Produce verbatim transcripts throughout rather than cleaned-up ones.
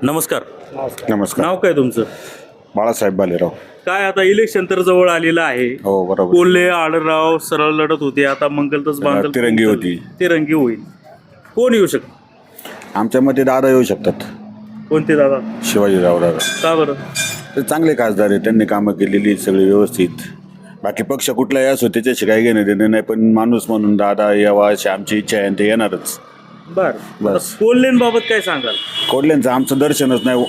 नमस्कार. नमस्कार. नाव काय तुमचं? बाळासाहेब बालेराव. काय आता इलेक्शन तर जवळ आलेलं आहे. हो बरोबर. कोल्हे आढळराव सरळ लढत होते, आता मंगलतच बांधल तिरंगी होती. तिरंगी होईल. कोण येऊ शकत? आमच्या मते दादा येऊ शकतात. कोणते दादा? शिवाजीराव दादा. का बरं? ते चांगले खासदार आहेत, त्यांनी कामं केलेली सगळी व्यवस्थित. बाकी पक्ष कुठलाही असो त्याच्याशी काही घेणं देणं नाही, पण माणूस म्हणून दादा यावा अशी आमची इच्छा आहे आणि ते येणारच. बर बस. कोल्हेंबाबत काय सांगाल? कोल्ह्यांचं आमचं दर्शनच नाही.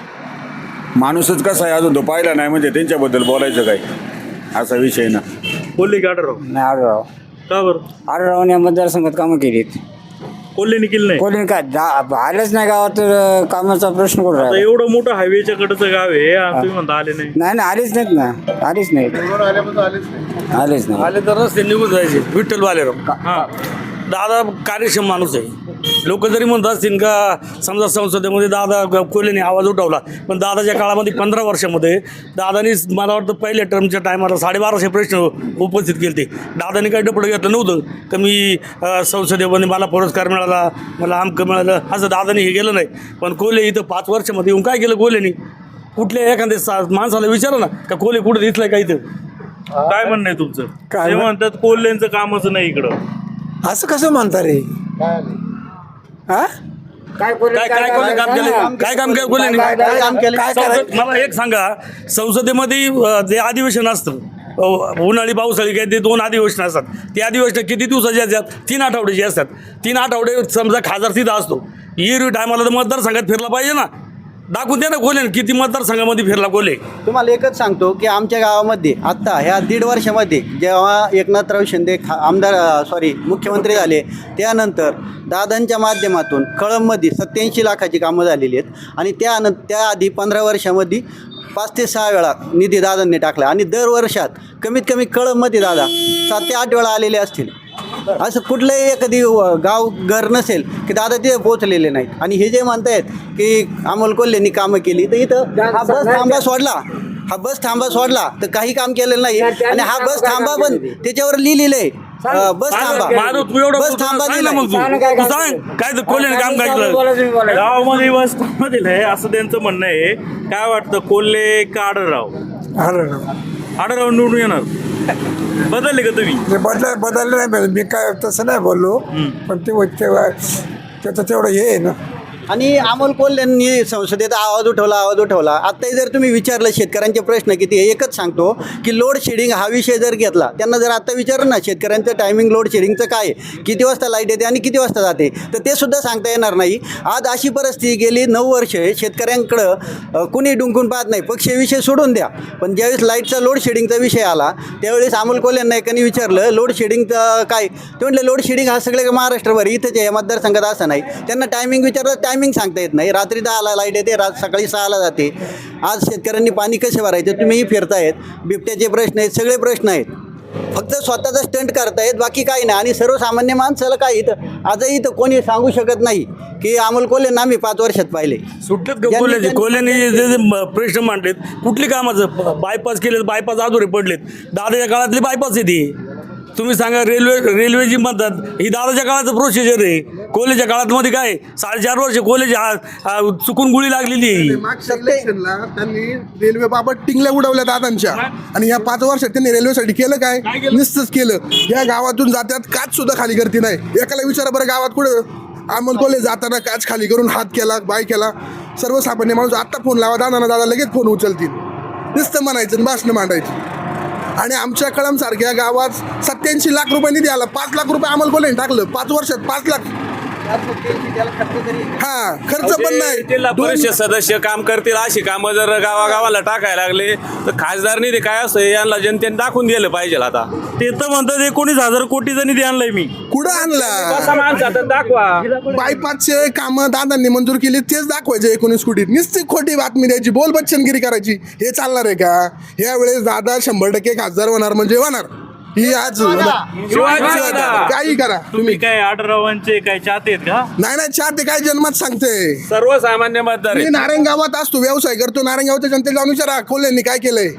माणूसच कसा आहे अजून तो पाहिला नाही, म्हणजे त्यांच्याबद्दल बोलायचं काय असा विषय ना. कोल्हे की आढळराव? नाही आढळराव. का बरं? आढळरावने मतदारसंघात कामं केलीत. कोल्हेने केलं नाही? कोणी काय जा- आलेच नाही गावात, तर कामाचा प्रश्न कुठं आता राहिला? एवढं मोठं हायवेच्या कडचं गाव आहे आणि तुम्ही म्हणता आले नाही. नाही ना, आलीच नाहीत ना, आलीच नाहीत, आलेच नाही. आले तर रस्ते निघून जायचे. विठ्ठल बालेराव हा. दादा कार्यक्षम माणूस आहे. लोक जरी म्हणत असतील का समजा संसदेमध्ये दादा कोल्हेने आवाज उठवला, पण दादाच्या काळामध्ये पंधरा वर्षामध्ये दादानी मला वाटतं पहिल्या टर्मच्या टायमाला साडेबाराशे प्रश्न उपस्थित केले ते. दादानी काही डपडं घेतलं नव्हतं का मी अं, संसदेमध्ये मला पुरस्कार मिळाला, मला आमकं मिळालं, असं दादानी हे केलं नाही. पण कोल्हे इथं पाच वर्षामध्ये येऊन काय केलं कोल्हेनी? कुठल्या एखाद्या सा माणसाला विचारा ना का कोल्हे कुठं दिसलंय का इथं? काय म्हणणं आहे तुमचं? काय ते म्हण- म्हणतात कोल्हेंचं कामच नाही इकडं. असं कसं म्हणता रे? हा? काय कोणी- काय काय कोल्हे काम केलं? काय काम केलं कोल्हेनी? काय काम केलं? काय संसद- करायचं? मला एक सांगा, संसदेमध्ये अ, जे अधिवेशन असतं अ, उन्हाळी पावसाळी काय ते दोन अधिवेशन असतात. ते अधिवेशन किती दिवसाचे असतात? तीन आठवड्याचे असतात. तीन आठवडे समजा खासदार तिथं असतो, येरवी टायमाला तर मतदारसंघात फिरला पाहिजे ना. दाखवून द्या ना कोल्हे किती मतदारसंघामध्ये फिरला कोल्हे. तुम्हाला एकच सांगतो की आमच्या गावामध्ये आत्ता ह्या दीड वर्षामध्ये जेव्हा एकनाथराव शिंदे खा आमदार सॉरी मुख्यमंत्री झाले, त्यानंतर दादांच्या माध्यमातून कळंबमध्ये सत्याऐंशी लाखाची कामं झालेली आहेत आणि त्यानं त्याआधी पंधरा वर्षामध्ये पाच ते सहा वेळा निधी दादांनी टाकला आणि दर वर्षात कमीत कमी कळंबमध्ये दादा सात ते आठ वेळा आलेले असतील. असं कुठलंही एखादी गाव घर नसेल की दादा तिथे पोचलेले नाहीत. आणि हे जे म्हणतायत की अमोल कोल्हेंनी कामं केली, तर इथं हा बस थांबा सोडला हा बस थांबा सोडला तर काही काम केलेलं नाही. आणि हा बस थांबा पण त्याच्यावर लिहिलेलं आहे बस थांबा, मारू तू एवढं बस बोलतो, थांबा सांग ना लिहिलंय. मग तू. तू सांग काय तर कोल्हेने काम काय केलं? बोलायचं मी बोलायचं. गावामध्ये वस मधील आहे असं त्यांचं म्हणणं आहे. काय वाटतं, कोल्हे का आढळराव? आढळराव. आढळराव निवडून येणार. बदलले का तुम्ही? ते बदला बदललं नाही पाहिजे. मी काय तसं नाही बोललो, पण ते तेव्हा त्याचं तेवढं हे आहे ना. आणि अमोल कोल्हेंनी संसदेत आवाज उठवला आवाज उठवला आत्ताही जर तुम्ही विचारलं शेतकऱ्यांचे प्रश्न किती आहे, एकच सांगतो की लोड शेडिंग हा विषय जर घेतला, त्यांना जर आत्ता विचारलं ना शेतकऱ्यांचं टायमिंग लोड शेडिंगचं काय आहे, किती वाजता लाईट येते आणि किती वाजता जाते, तर ते सुद्धा सांगता येणार नाही. आज अशी परिस्थिती गेली नऊ वर्ष शेतकऱ्यांकडं अ, कुणी डुंकून पाहत नाही. पक्षविषय सोडून द्या, पण ज्यावेळेस लाईटचा लोड शेडिंगचा विषय आला त्यावेळेस अमोल कोल्हेंना एकाने विचारलं लोड शेडिंगचं काय, ते म्हटलं लोड शेडिंग हा सगळे महाराष्ट्रभर इथंच आहे, मतदारसंघात असं नाही. त्यांना टायमिंग विचारलं, टायमिंग सांगता येत नाही. रात्री दहाला लाईट येते, रात सकाळी सहाला जाते. आज शेतकऱ्यांनी पाणी कसे भरायचे तुम्हीही फिरतायत, बिबट्याचे प्रश्न आहेत, सगळे प्रश्न आहेत. फक्त स्वतःचा स्टंट करतायत, बाकी काही नाही. आणि सर्वसामान्य माणसाला काय इथं आजही इथं कोणी सांगू शकत नाही की अमोल कोल्हे आम्ही पाच वर्षात पाहिले. सुटलेत का कोल्ह्याचे? कोल्ह्याने जे जे म- प्रश्न मांडलेत कुठली कामाचं? बायपास केलेत, बायपास अधुरे पडलेत. दादाच्या काळातली बायपास आहे ती. तुम्ही सांगा रेल्वे रेल्वेची म्हणतात ही दादाच्या काळाचं प्रोसिजर आहे. कोल्हेच्या काळात मध्ये काय साडेचार वर्ष कोल्हेची आ- आ- चुकून गुळी लागलेली आहे. मागच्या इलेक्शनला त्यांनी रेल्वे बाबत टिंगल्या उडवल्या दादांच्या, आणि या पाच वर्षात त्यांनी रेल्वेसाठी केलं काय? निश्चितच केलं. या गावातून जात्यात काच सुद्धा खाली करते नाही. एकाला विचारा बरं गावात कुठं अमोल कोल्हे जाताना काच खाली करून हात केला, बाय केला. सर्वसामान्य माणूस आत्ता फोन लावा दादा दादा लगेच फोन उचलतील. नुसतं म्हणायचं आणि भाषणं मांडायची. आणि आमच्या कळंबसारख्या गावात सत्याऐंशी लाख रुपये निधी आला. पाच लाख रुपये अमोल कोल्हेने टाकलं पाच वर्षात. पाच लाख हा खर्च पण नाही. जिल्हा दोन- परिषद सदस्य काम करतील अशी कामं जर गावागावाला टाकायला लागले तर खासदार निधी काय असतं यांना जनतेने दाखवून दिलं पाहिजे. आता ते तर म्हणतात एकोणीस हजार कोटीचा निधी आणलाय मी. कुठं आणला? कसा माणसात दाखवा. बायपासचे कामं दादांनी मंजूर केली तेच दाखवायचे एकोणीस कोटीत. निश्चित खोटी बातमी द्यायची, बोल बच्चनगिरी करायची. हे चालणार आहे का? यावेळेस दादा शंभर टक्के खासदार होणार म्हणजे होणार. ही आज काही करा तुम्ही काय आढळरावांचे काय चाहते आहेत का? नाही नाही चहा ते काय जन्मात सांगते. सर्वसामान्य मतदार मी आहेत. नारायणगावात असतो, व्यवसाय करतो. नारायणगावच्या जनतेला जाऊन विचारा कोल्हेंनी काय केलंय.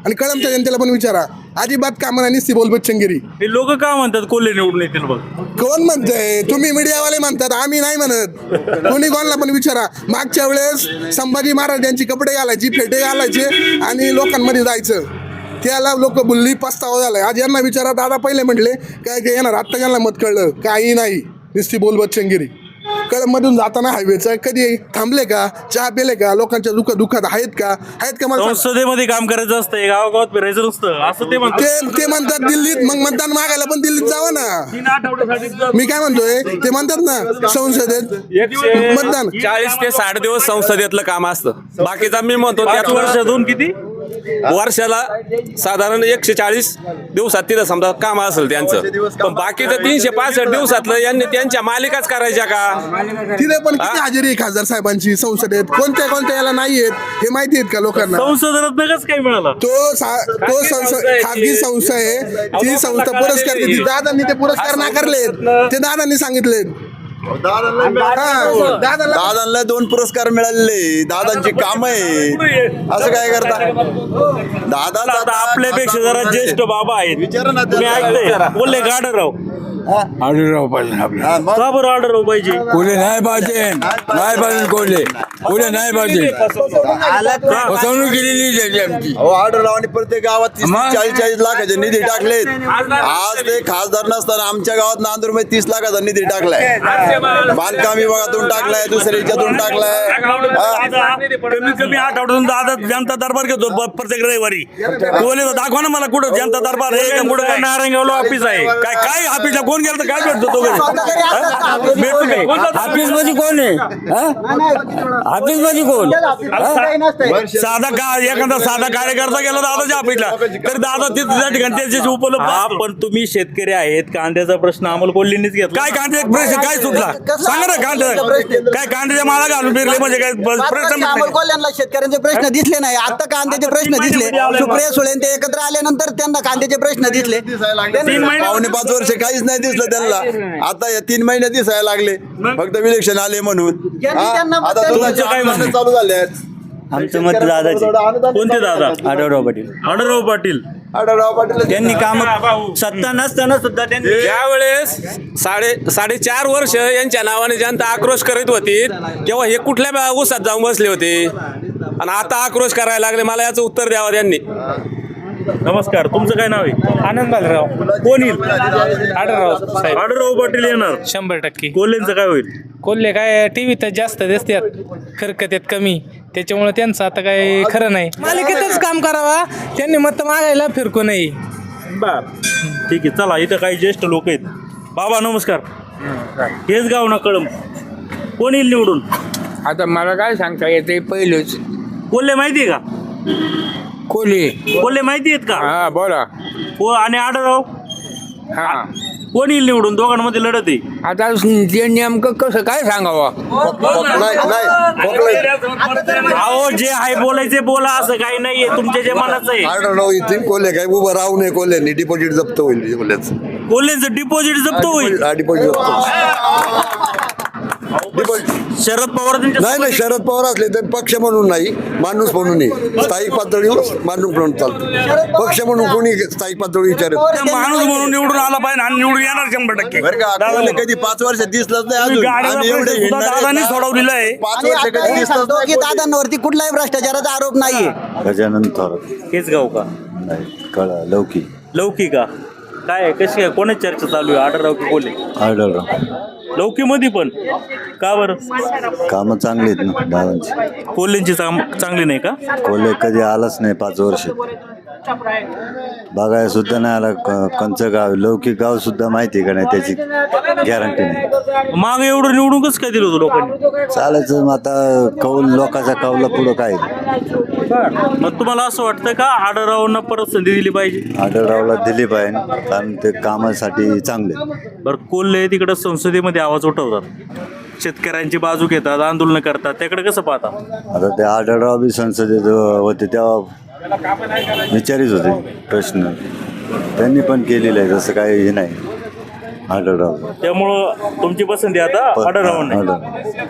आणि कळमच्या जनतेला पण विचारा. अजिबात कामं नाही, नुसती बोलबत चंगिरी. हे लोक का म्हणतात कोल्हे निवडून येतील बघ? कोण म्हणतंय? तुम्ही मीडियावाले म्हणतात, आम्ही नाही म्हणत. कोणी कोणाला पण विचारा. मागच्या वेळेस संभाजी महाराज यांची कपडे घालायची, फेटे घालायचे आणि लोकांमध्ये जायचं. त्याला लोक बुल्ली पस्तावा झालाय. आज यांना विचारा, दादा पहिले म्हटले काय काय येणार, आत्ता यांना मत कळलं काही नाही, नुसती बोलबत चंगिरी. कळममधून जाताना हायवेचं कधी थांबले का, चहा पिले का, लोकांच्या दुःख दुःखात आहेत का आहेत का मला सांगा. संसदेमध्ये काम करायचं असतं, गावागावात फिरायचं नसतं असं ते म्हणतात. ते ते म्हणतात दिल्लीत, मग मतदान मागायला पण दिल्लीत जावं ना. तीन आठवड्यासाठी मी काय म्हणतोय, ते म्हणतात ना संसदेत मतदान चाळीस ते साठ दिवस संसदेतलं काम असतं. बाकीचा मी म्हणतो पाच त्यात वर्षातून किती? वर्षाला साधारण एकशे चाळीस दिवसात तिथं समजा काम असेल त्यांचं, पण बाकीचं तीनशे पासष्ट दिवसातलं यांनी त्यांच्या मालिकाच करायच्या का? तिथे पण किती हजेरी आहे खासदार साहेबांची संसदेत, कोणत्या कोणत्या याला नाही येत हे माहिती आहेत का लोकांना? संसद रत्न काय मिळाला? तो सा- तो संस्था खाजगी संस्था आहे, ती संस्था पुरस्कार देते. दादांनी ते पुरस्कार नाकारलेत, ते दादांनी सांगितलेत. हा, दादाला दादांना दोन पुरस्कार मिळाले, दादांची काम आहे, असं काय करता दादा? आता आपल्यापेक्षा जरा ज्येष्ठ बाबा आहेत, तुम्ही ऐकलंय बोलले गाडर राव आढळराव पाहिजे आपल्याला. का बरं ऑर्डर हो पाहिजे? कोले नाही पाहिजे, नाही पाहिजे कोले, कोले नाही पाहिजे. फसवणूक केलेली त्याची आमची. अहो ऑर्डर आणि प्रत्येक गावात तीस मग? चाळीस चाळीस लाखाचे निधी टाकलेत. आज ते खासदार नसताना आमच्या गावात नांदूर मध्ये तीस लाखाचा निधी टाकलाय, बांधकाम विभागातून टाकलाय, दुसऱ्या याच्यातून टाकलाय. हा? कमीत कमी आठ आठवड्यातून दादा जनता दरबार घेतो ब- प्रत्येक रविवारी. बोले दाखवा ना मला कुठं जनता दरबार आहे का, कुठं काय नारायणगावला ऑफिस आहे. काय काय ऑफिसला कोण गेलं तर काय भेटतो तो घरी? हा? भेटतो काय? ऑफिस मध्ये कोण आहे? ऑफिस मध्ये कोण? साधा का एखादा साधा कार्यकर्ता गेला दादाच्या ऑफिसला तर दादा तिथे त्या ठिकाणी त्याच्याशी उपलब्ध हा, असतो. पण तुम्ही शेतकरी आहेत, कांद्याचा प्रश्न अमोल कोल्हेंनीच घेतला. काय कांदे प्रश्न काय सुटला सांगा ना? कांदे काय कांद्याच्या माळा घालून फिरले म्हणजे काय प्रश्न अमोल मिटले? कोल्ह्यांना शेतकऱ्यांचे प्रश्न दिसले नाही, आता कांद्याचे प्रश्न दिसले. सुप्रिया सुळे ते एकत्र आल्यानंतर त्यांना कांद्याचे प्रश्न दिसले. तीन महिने पावणे पाच वर्ष काहीच नाही दिसलं त्यांना, आता या तीन महिने दिसायला लागले फक्त विलेक्शन आले म्हणून. ज्यांनी हा? त्यांना आता मतदान तुमचं केलं. काय म्हणणं चालू झाले आहेत? आमचं मत दादाचे. कोणते दादा? आढळराव पाटील. आढळराव पाटील. आढळराव पाटील त्यांनी काम सत्ता नसताना सुद्धा त्यांनी ज्यावेळेस साडे साडेचार वर्ष यांच्या नावाने जनता आक्रोश करीत होती, तेव्हा हे कुठल्या बा- ऊसात जाऊन बसले होते आणि आता आक्रोश करायला लागले. मला याचं उत्तर द्यावं त्यांनी. नमस्कार, तुमचं काय नाव आहे? आनंद बालराव. कोण येईल? आढळराव साहेब. आढळराव पाटील येणार. शंभर टक्के. कोल्हेंचं काय होईल? कोल्हे काय टीव्हीत जास्त दिसतात, खरकत्यात कमी, त्याच्यामुळे त्यांचं आता काय खरं नाही. मालिकेतच काम करावा, त्यांनी मत मागायला फिरकू नये. बर, ठीक आहे. चला, इथं काही ज्येष्ठ लोक आहेत. बाबा नमस्कार. हेच गाव ना कळम. कोण येईल निवडून? आता मला काय सांगता येते पहिलेच कोल्हे माहिती आहे का? कोले. कोल्हे माहिती आहेत का? हा बोला. को आणि आढळराव हा कोण येईल निवडून? दोघांमध्ये लढत आहे. आता ते नेमकं कसं काय सांगावं? नाही नाही अहो, जे आहे बोलायचे बोला, असं काही नाहीये. तुमच्या जे मनाचं आहे. आढळराव इथे कोल्हे काय उभं राहू नये, कोल्ह्यांनी डिपॉझिट जप्त होईल कोल्ह्याचं. कोल्हेंचं डिपॉझिट जप्त होईल. डिपॉझिट जप्त डिपॉझिट शरद पवार त्यांच्या नाही नाही शरद पवार असले तर पक्ष म्हणून नाही, माणूस म्हणून नाही. स्थायिक पातळीवर माणूस म्हणून चालतो. पक्ष म्हणून कोणी स्थायिक पातळी विचारत माणूस म्हणून निवडून आला पाहिजे आणि निवडून येणार शंभर टक्के. बरं का? कोल्हे कधी पाच वर्ष दिसलंच नाही तुम्ही अजून. गाडीचा आम्ही एवढे प्रश्न सुद्धा हिंडणारे दादांनी ना, सोडवलेला आहे. पाच आणि वर्ष आता कधी हे दिसलंच सांगतो की नाही. दादांवरती कुठलाही भ्रष्टाचाराचा आरोप नाहीये. गजानन थोरात हेच गाव का? नाही कळा लौकी लौकी का? काय आहे? कशी आहे? कोणाची चर्चा चालू आहे? आढळराव की कोल्हे? आढळराव. लौकीमध्ये पण का बरं? कामं चांगली आहेत ना दादांची. कोल्हेंची चांग- चांगली नाही का? कोल्हे कधी आलाच नाही पाच वर्ष, बघायला सुद्धा नाही आला. क- कंचं गाव लौकिक गाव सुद्धा माहिती आहे का नाही त्याची गॅरंटी नाही. माग एवढं निवडून कसं काय दिलं होतं लोकांनी? चालायचं मग आता कौल लोकांच्या कौला पुढं काय. मग तुम्हाला असं वाटतं का आढळरावांना परत संधी दिली पाहिजे? आढळरावला दिली पाहिजे कारण ते कामासाठी चांगले. बरं, कोल्हे तिकडं संसदेमध्ये आवाज उठवतात, शेतकऱ्यांची बाजू घेतात, आंदोलन करतात, त्याकडे कसं पाहता? आता ते आढळराव बी संसदेत होते तेव्हा विचारित होते प्रश्न, त्यांनी पण केलेलं आहे, तसं काही हे नाही आढळराव. त्यामुळं तुमची पसंती आता आढळरावांना. आढळराव.